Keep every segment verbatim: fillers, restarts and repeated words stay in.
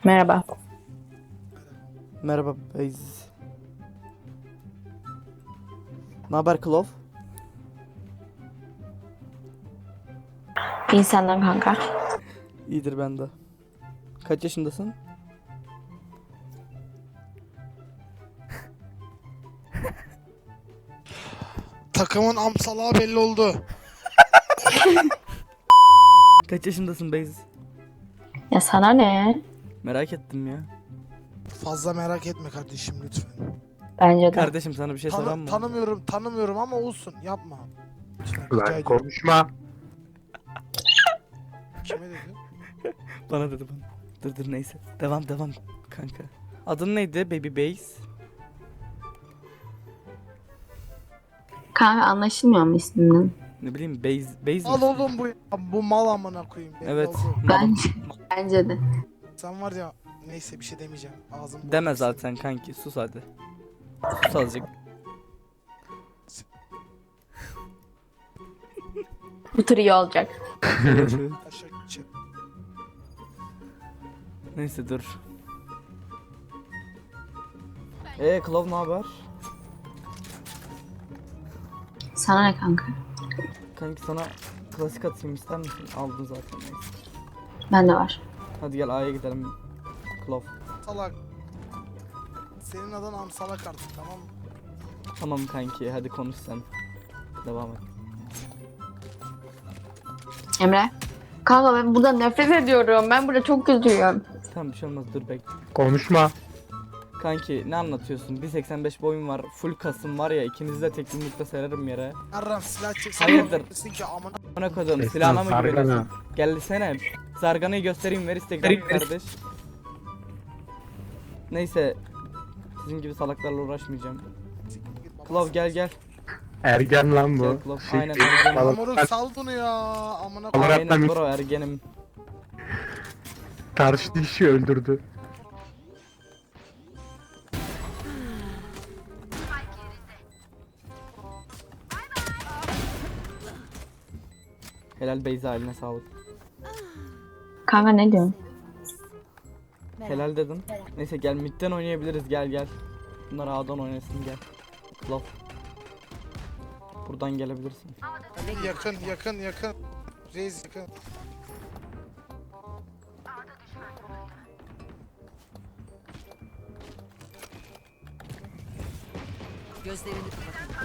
Merhaba. Merhaba Beyz. Ne haber Klov? İyi senden kanka. İyidir ben de. Kaç yaşındasın? Takımın amsalağı belli oldu. Kaç yaşındasın Beyz? Ya sana ne? Merak ettim ya. Fazla merak etme kardeşim lütfen. Bence de. Kardeşim sana bir şey soran Tanı, mı? tanımıyorum, tanımıyorum ama olsun. Yapma. Lütfen, rica Lan ediyorum. konuşma. Kime dedi? Bana dedi bana. Dur dur neyse. Devam devam kanka. Adın neydi Baby Beyz? Kanka anlaşılmıyor mu isminin? Ne bileyim Beyz Beyz Al mi? oğlum bu bu mal amına koyayım. belli Evet. oldu. malım. Bence, bence de. Sen var ya neyse bir şey demeyeceğim. Ağzım Deme bozuldu zaten kanki sus hadi. Sus azıcık. Bu tur iyi olacak. senin. Aşağı gideceğim. Neyse dur. Eee Klov ne haber? Sana ne kanka? Kanki sana klasik atayım ister misin? Aldın zaten neyse. Bende var. Hadi gel A'ya gidelim. Klov. Salak. Senin adın amsalak artık, tamam mı? Tamam kanki hadi konuş sen. Devam et. Emre. Kanka ben buradan nefret ediyorum. Ben burada çok kötüyüm. Tamam bir şey olmaz dur bekle. Konuşma. Kanki ne anlatıyorsun? bir seksen beş boyum var. Full kasım var ya ikinizi de tek yumrukta sererim yere. Yarram silah çeksen Hayırdır? desin ki amına Bana koydum Esnaf silahına mı sargana. güveniyorsun? Gelsene. Zarganayı göstereyim ver Instagram kardeş. Neyse. Sizin gibi salaklarla uğraşmayacağım. Klov gel gel. Ergen lan Gel bu. Klov. Siktir. Aynen ergenim. Balık- Moruk sal bunu ya amına koyayım. Olarak- Aynen bro ergenim. Karşı dişi öldürdü. Helal Beyza eline sağlık. Kanka ne diyorsun? Helal dedim. Neyse gel midden oynayabiliriz gel gel. Bunlar A'dan oynasın gel. Klov. Buradan gelebilirsin. Yakın yakın yakın. Reis yakın. Gözlerini kapatın.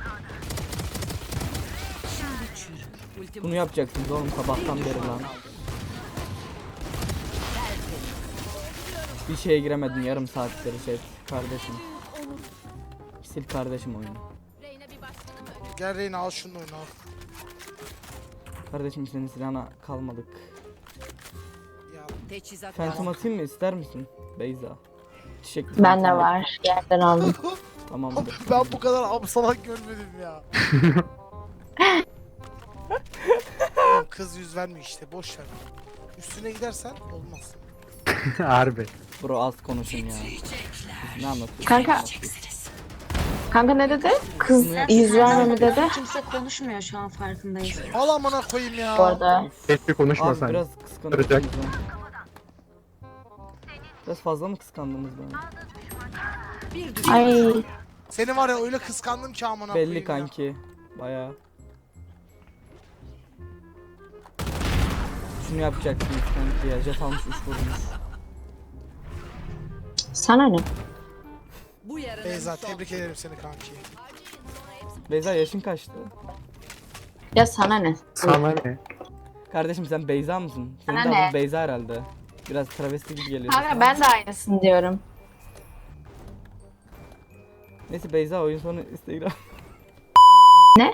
Şimdi çürü. Ultim Bunu yapacaksınız oğlum sabahtan beri lan. Bir şeye giremedim yarım saattir şey kardeşim. Sil kardeşim oyunu. Gel Reyna al şunu oyunu al. Kardeşim senin silahına kalmadık. Ya teçhizat Phantom lazım. atayım mı ister misin Beyza? Çiçekli Bende phantom. var. Yerden aldım. Tamamdır. ben bu kadar amsalak görmedim ya. Oğlum kız yüz vermiyor işte, boş ver. Üstüne gidersen olmaz. Harbi. Bro az konuşun ya. Ne anlatıyorsun? Kanka. Kanka ne dedi? Kız yüz verme mi dedi? Kimse konuşmuyor şu an farkındayız. Al amına koyayım ya. Bu arada. Keşke konuşma Abi sen. biraz kıskandınız Kıracak. beni. Biraz fazla mı kıskandınız beni? Bir düşman. Ay. Seni var ya öyle kıskandım ki amına koyayım Belli ya. kanki. Bayağı. Şunu yapacaksınız kanki ya. Jet almış üç vurmuş. Sana ne? Bu yarının Beyza son. tebrik ederim seni kanki. Beyza yaşın kaçtı? Ya sana ne? Sana ne? Kardeşim sen Beyza mısın? Senin Sana de ne? adın Beyza herhalde. Biraz travesti gibi geliyor. Kanka ben de aynısını diyorum. Neyse Beyza oyun sonu Instagram. Ne?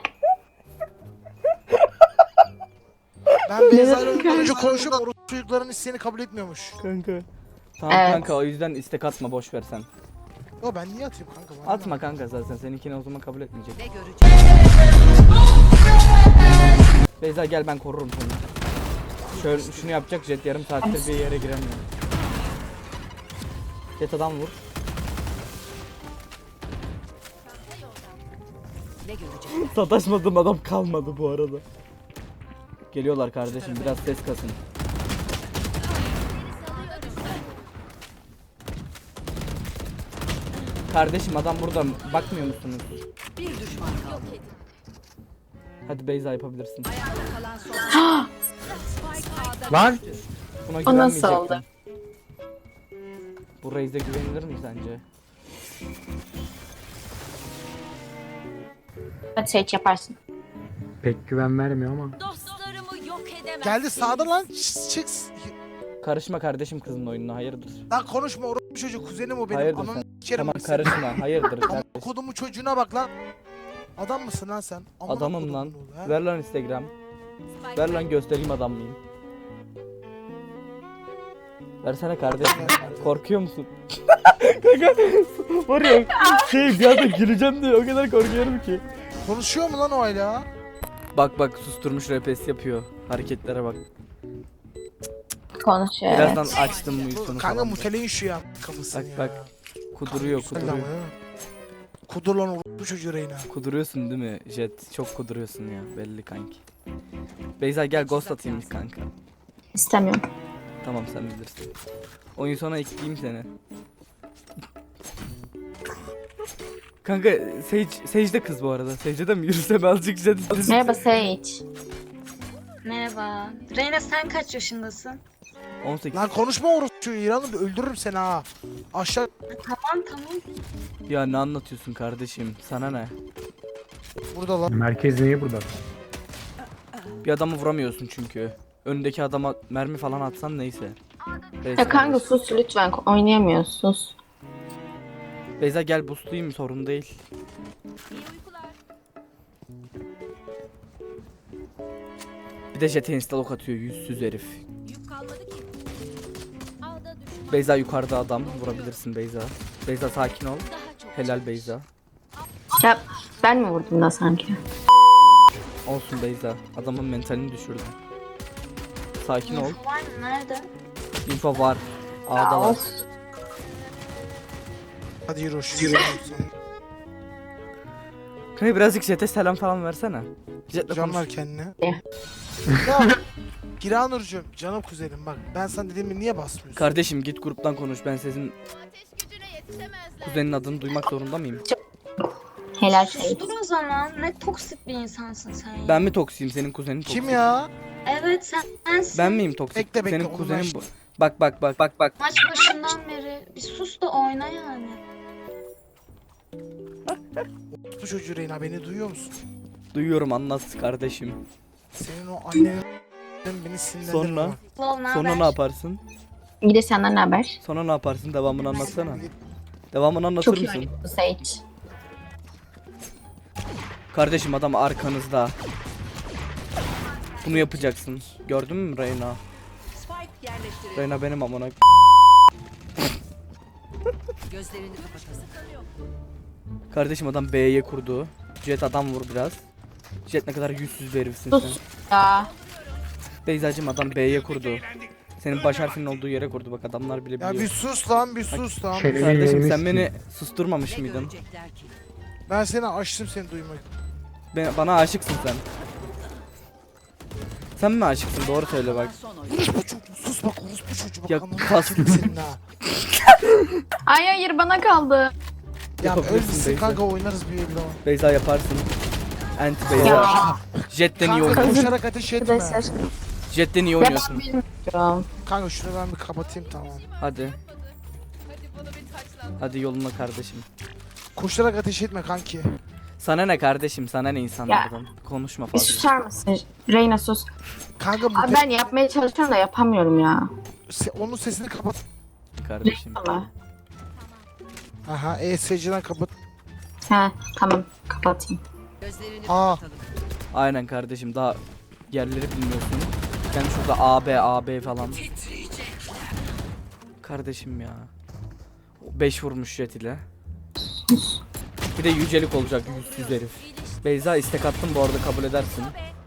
Ben Beyza ile dedim ondan önce kanka? konuşup orospu çocukların isteğini kabul etmiyormuş. Kanka. Tamam Evet. kanka o yüzden istek atma boş ver sen. Yo ben niye atayım kanka? Bana Atma kanka zaten seninkini o zaman kabul etmeyecek. Ne göreceğiz? Beyza gel ben korurum seni. Şöyle şunu yapacak Jet yarım saattir bir yere giremiyor. Jet adam vur. Ne göreceğiz? Sataşmadığım adam kalmadı bu arada. Geliyorlar kardeşim biraz ses kasın. Kardeşim adam burada, bakmıyor musunuz? Bir düşman kaldı. Hadi Beyza yapabilirsin. Ayakta kalan son. Spike A'da Lan! düştü. Buna O nasıl güvenmeyecektim. oldu? Bu Reis'e güvenilir mi sence? Hadi Sage yaparsın. Pek güven vermiyor ama. Dostlarımı yok edemezsin. Geldi sağda lan. Çık. çık. Karışma kardeşim kızın oyununa, hayırdır? Lan konuşma orospu çocuk kuzenim o benim. Hayırdır Ananı sen? s**erim Tamam seni. karışma, hayırdır Amına kardeşim? kodumu çocuğuna bak lan. Adam mısın lan sen? Amına Adamım kodumun lan. oğlu, ha? Ver lan Instagram. Ver lan göstereyim adam mıyım. Versene kardeşim. Korkuyor musun? Kanka var ya şey bir anda güleceğim diye o kadar korkuyorum ki. Konuşuyor mu lan o hala? Bak bak susturmuş repes yapıyor. Hareketlere bak. Konuşuyor. Evet. Birazdan açtım bu üstünü Kanka falan. muteleyin şu ya kafasını Bak, ya. bak. Kuduruyor Güzel ama kuduruyor. ya. Kudur lan orospu çocuğu Reyna. Kuduruyorsun değil mi Jet? Çok kuduruyorsun ya belli kanki. Beyza gel ghost atayım kanka. İstemiyorum. Tamam sen bilirsin. Oyun sonra ekleyeyim seni. Kanka Sage, Sage de kız bu arada. Sage'e de mi yürüsem azıcık Jet? Merhaba Sage. Merhaba. Reyna sen kaç yaşındasın? on sekiz. Lan konuşma orospu çocuğu İran'ı öldürürüm seni ha. Aşağı Tamam tamam. Ya ne anlatıyorsun kardeşim? Sana ne? burada lan. Merkez niye burada? Bir adamı vuramıyorsun çünkü. Önündeki adama mermi falan atsan neyse. Neyse Ya kanka kardeşim. sus lütfen. Oynayamıyoruz sus. Beyza gel boostlayayım sorun değil. Bir de Jet'e instalok atıyor yüzsüz herif. Yük kalmadı ki. A'da düşman. Beyza yukarıda adam vurabilirsin Beyza. Beyza sakin ol. Daha çok. Helal Beyza. Ya ben mi vurdum da sanki? Olsun Beyza. Adamın mentalini düşürdüm. Sakin ol. Info var mı? Nerede? Info var. A'da var. Of. Hadi yürü hoş. Yürü. Kanka birazcık Jet'e selam falan versene. Jet'le Can konuş. ver kendine. Ne? Ya Giranurcuğum canım kuzenim bak ben sana dediğimi niye basmıyorsun? Kardeşim git gruptan konuş. Ben sizin kuzenin adını duymak zorunda mıyım? Helal Sage. Sustur o zaman. Ne toksik bir insansın sen ya. Ben mi toksiyim senin kuzenin toksik? Kim ya? Evet sen sensin. Ben miyim toksik? Bekle, bekle, Senin onu kuzenin ben- bu. Bak bak bak bak bak. Maç başından beri bir sus da oyna yani. Bu çocuğu Reyna beni duyuyor musun? Duyuyorum anlat kardeşim. Senin o annenin beni sinirlendirme. Sonra? bak. Lol ne Sonra haber? ne yaparsın? Bir de senden ne haber? Sonra ne yaparsın? Devamını anlatsana. Devamını anlatır Çok iyi mısın? oynuyorsun Sage. Kardeşim adam arkanızda. Bunu yapacaksın. Gördün mü Reyna? Spike yerleştirildi. Reyna benim amına. Gözlerini kapatasın. Kardeşim adam B'ye kurdu. Jet adam vur biraz. Jet ne kadar yüzsüz bir herifsin sen. Sus. Ya. Beyzacım adam B'ye kurdu. Senin baş harfinin olduğu yere kurdu bak adamlar bile Ya biliyor. bir sus lan bir sus lan. Şey- Kardeşim Elini sen beni sikeyim. susturmamış Ne mıydın? görecekler ki? Ben seni açtım seni duymak. Ben, bana aşıksın sen. Sen mi aşıksın? Doğru söyle bak. Son oyun. Orospu çocuğu sus bak orospu çocuğu bak. Ya ananı kas- s**erim senin ha. Ay hayır bana kaldı. Ya Yapabilirsin ölmüşsün Beyza. kanka oynarız bir evde. Beyza yaparsın. Anti Beyza. Ya. Jet'ten iyi Kanka oynuyorsun. koşarak ateş etme. Arkadaşlar. Jet'ten iyi Ya ben oynuyorsun. bilmiyorum. Kanka şunu ben bir kapatayım tamam. Hadi. Hadi yoluna kardeşim. Koşarak ateş etme kanki. Sana ne kardeşim? Sana ne insanlardan? Konuşma Bir fazla. susar mısın? Reyna sus. Kanka bu Abi ben yapmaya çalışıyorum da yapamıyorum ya. se- onun sesini kapat. Kardeşim. Ama. Aha E S C'den kapat. He tamam kapatayım. Gözlerini Aa. kapatalım. Aynen kardeşim daha yerleri bilmiyorsun. Ben şurada A B A B falan. Kardeşim ya. beş vurmuş Jet ile. Bir de yücelik olacak yüzsüz herif. Beyza istek attım bu arada kabul edersin.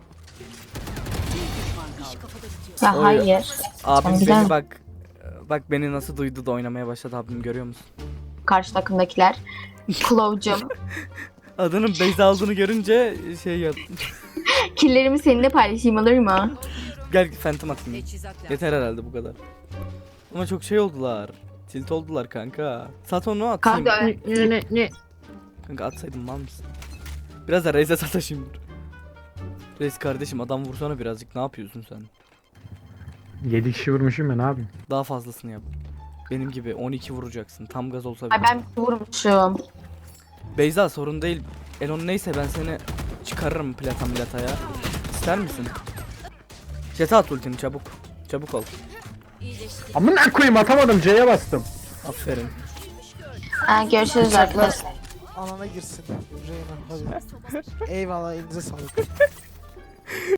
Ya Oy. hayır. Abim Sen güzel- beni bak. Bak beni nasıl duydu da oynamaya başladı abim görüyor musun? Karşı takımdakiler. Claw'cum. Adının Beyza aldığını görünce şey yap. Killerimi seninle paylaşayım olur mu? Gel Phantom atayım. Teçhizat lazım. Yeter herhalde bu kadar. Ama çok şey oldular. Tilt oldular kanka. Sat onu atayım. Kanka Ne ne ne? Kanka atsaydım mal mısın? Biraz da Reis'e sataşayım dur. Reis kardeşim adam vursana birazcık, ne yapıyorsun sen? yedi kişi vurmuşum ben abi. Daha fazlasını yap. Benim gibi on iki vuracaksın. Tam gaz olsa ay bile. ben vurmuşum. Beyza sorun değil. Elon neyse ben seni çıkarırım plata milataya. İster misin? Jet'e at ultini çabuk. Çabuk ol. Amına koyayım, atamadım, C'ye bastım. Aferin. Ha, görüşürüz arkadaşlar. Alana girsin. Reyna hadi. Eyvallah elinize sağlık.